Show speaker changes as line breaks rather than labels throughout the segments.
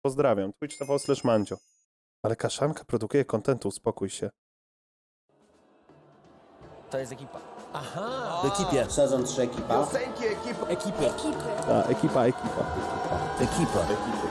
Pozdrawiam. Twitch TV/Mandzio. Ale Kaszanka produkuje kontentu, uspokój się.
To jest ekipa.
Aha!
W ekipie.
Sezon 3 ekipa.
Ekipy.
Ta, ekipa.
Ekipa.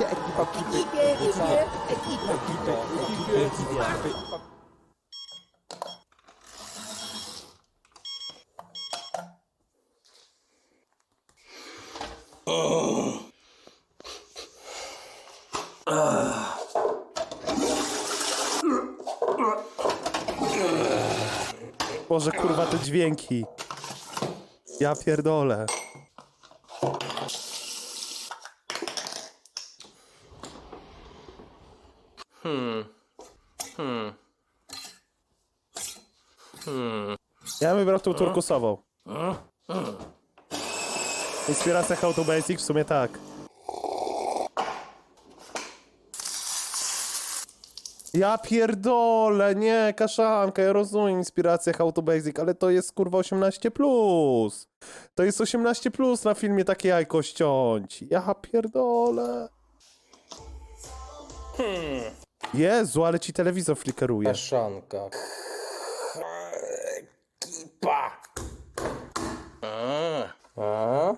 Boże, kurwa, te dźwięki. Ja pierdolę. Ja bym wybrał tą turkusową. Inspiracja How to Basic? W sumie tak. Ja pierdolę, nie, Kaszanka, ja rozumiem inspirację How to Basic, ale to jest kurwa 18+. To jest 18+ na filmie takie jajko ściąć. Ja pierdolę. Jezu, ale ci telewizor flickeruje.
Kaszanka. Ekipa. A?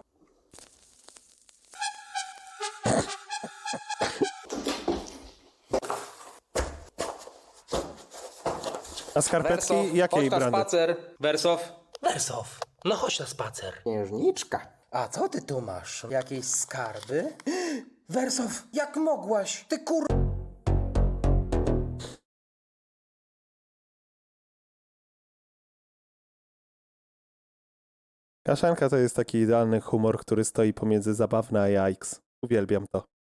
A skarpetki
Wersow,
jakiej
chodź na
brandy?
spacer. Wersow.
Wersow. No chodź na spacer.
Księżniczka. A co ty tu masz? Jakieś skarby? Wersow, jak mogłaś? Ty kur...
Kaszanka to jest taki idealny humor, który stoi pomiędzy zabawne a jajks. Uwielbiam to.